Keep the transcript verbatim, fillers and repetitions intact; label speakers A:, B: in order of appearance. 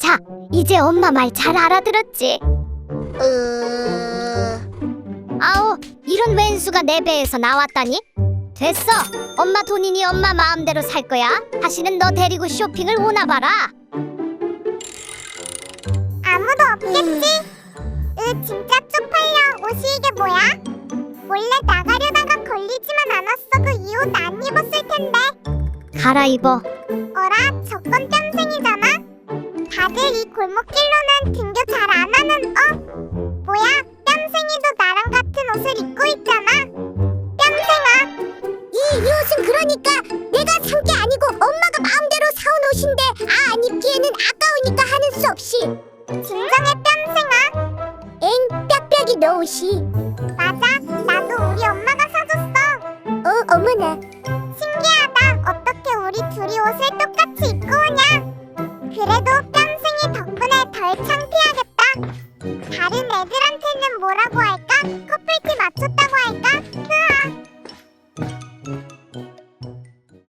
A: 자, 이제 엄마 말 잘 알아들었지?
B: 으...
A: 아우, 이런 왼수가 내 배에서 나왔다니? 됐어. 엄마 돈이니 엄마 마음대로 살 거야. 다시는 너 데리고 쇼핑을 오나 봐라.
B: 아무도 없겠지? 으, 진짜 쪽팔려. 옷이 이게 뭐야? 원래 나가려다가 걸리지만 않았어. 그 이 옷 안 입었을 텐데.
A: 갈아입어.
B: 어라? 저건 뺨생이잖아? 다들 이 골목길로는 등교 잘 안 하는 어? 뭐야? 뺨생이도 나랑 같은 옷을 입고 있잖아? 뺨생아! 이, 이 옷은 그러니까 내가 산 게 아니고 엄마가 마음대로 사온 옷인데 아, 안 입기에는 아까우니까 하는 수 없이. 진정해 뺨생아. 엥, 빽빽이 너 옷이. 맞아, 나도 우리 엄마가 사줬어. 어, 어머나. 신기하다. 어떻게 우리 둘이 옷을 똑같이 입고 오냐? 그래도 뺨생이 덕분에 덜 창피하겠다. 다른 애들한테는 뭐라고 할까? 커플티 맞췄